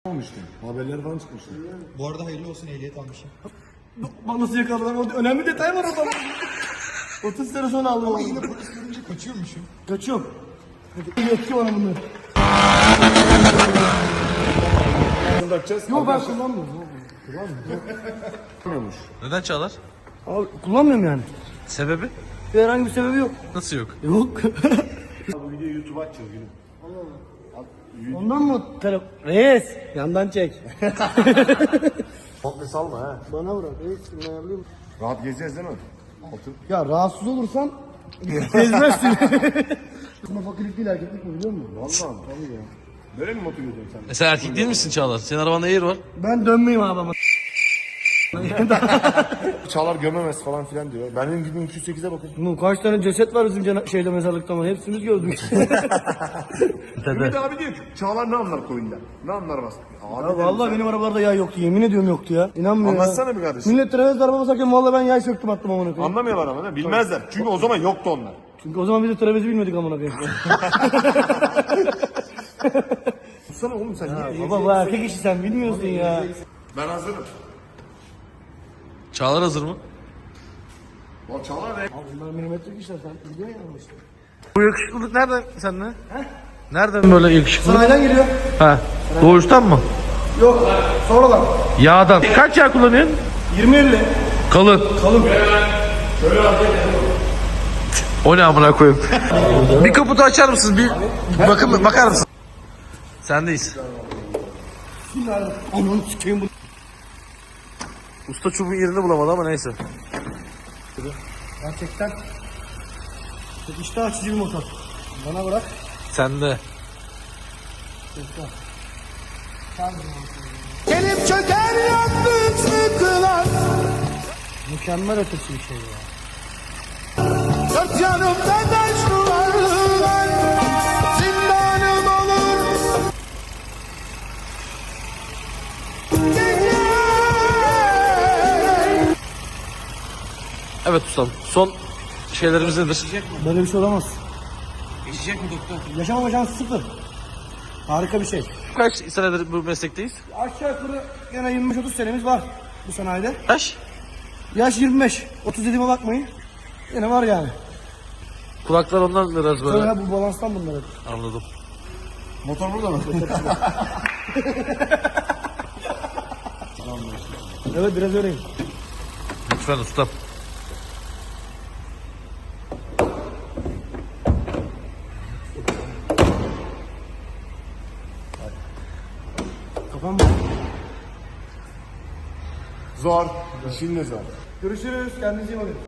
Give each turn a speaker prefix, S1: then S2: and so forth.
S1: Olmuştu. Haberler falan çıkmıştı.
S2: Bu arada hayırlı olsun, ehliyet almışım.
S3: Bak nasıl yakaladım, orada önemli detay var orada. 30 sene sonra aldım.
S2: Ama yine polis görünce kaçıyormuşum.
S3: Kaçıyorum. Hadi yetki bana bunları.
S1: Bakacağız.
S3: Yok ben kullanmıyorum.
S1: Kullanmıyormuş.
S4: Neden Çağlar?
S3: Abi kullanmıyorum yani.
S4: Sebebi?
S3: Herhangi bir sebebi yok.
S4: Nasıl yok?
S3: Yok.
S1: Bu videoyu YouTube'a atacağız gülüm.
S3: Ondan mı Reis yandan çek.
S1: Komple salma ha.
S3: Bana bırak reis bunu ayarlayayım.
S1: Rahat gezeceğiz değil mi? Altın.
S3: Ya rahatsız olursan gezmezsin. Aslında fakirlik değil erkeklik mi biliyor musun?
S1: Vallahi tabii ya. Böyle mi motor ediyorsun sen?
S4: Sen erkek değil misin Çağlar? Senin arabanda Air var.
S3: Ben dönmeyeyim abi ama.
S1: Çağlar gömemez falan filan diyor. Benim gibi 208'e bakın.
S3: Bunun kaç tane ceset var bizim şeyde mezarlıkta ama hepsimiz gördük.
S1: Ümit abi diyor ki Çağlar ne anlar koyunda? Ne anlar bas? Abi
S3: Ya vallahi benim arabalarda yay yoktu, yemin ediyorum yoktu ya. İnanmıyorum ya.
S1: Anlatsana bir kardeşim.
S3: Millet trafik araba basarken vallahi ben yay söktüm attım amına koyayım.
S1: Anlamıyorlar ama ne? Bilmezler. Çünkü o zaman yoktu onlar.
S3: Çünkü o zaman biz de trafezi bilmedik amına koyayım.
S1: Tutsana oğlum sen niye?
S3: Baba bu erkek işi sen bilmiyorsun ya.
S1: Ben hazırım.
S4: Çağlar hazır mı?
S1: O Çağlar ne?
S3: Abi bunlar milimetrik işler sen biliyorsun ya işte.
S4: Bu yakışıklılık nereden sende? Nereden böyle yakışıklı?
S3: Sanayiden geliyor.
S4: Ha. Doğuştan mı?
S3: Yok sonradan.
S4: Yağdan. Kaç yağ kullanıyorsun?
S3: 20-50.
S4: Kalın.
S3: Kalın.
S4: O ne amına koyayım? Bir kaputu açar mısın? Bir bakar mısın? Sendeyiz.
S3: Ananı sikeyim bu.
S4: Usta çubuğun yerini bulamadı ama neyse.
S3: Gerçekten. Çok iştah açıcı bir motor. Bana bırak.
S4: Sende.
S2: Gelip çöker yandık sıkılan.
S3: Mükemmel ötesi bir şey ya.
S2: Dört yanımda taşlılar. Zindanım olur.
S4: Evet ustam. Son şeylerimiz nedir?
S3: Böyle bir şey olamaz. Geçecek mi doktor? Yaşamama şansı sıfır. Harika bir şey.
S4: Kaç senedir bu meslekteyiz?
S3: Aşağı yukarı gene 25-30 senemiz var bu sanayide.
S4: Kaç?
S3: Yaş 25. 30 dediğime bakmayın. Yine var yani.
S4: Kulaklar ondan biraz böyle.
S3: Böyle bu balanstan bunlar hep.
S4: Anladım.
S1: Motor burada mı?
S3: Evet biraz öyleyim.
S4: Lütfen ustam.
S3: Kafam
S1: Zor. İşin ne zor?
S3: Görüşürüz. Kendinize iyi bakın.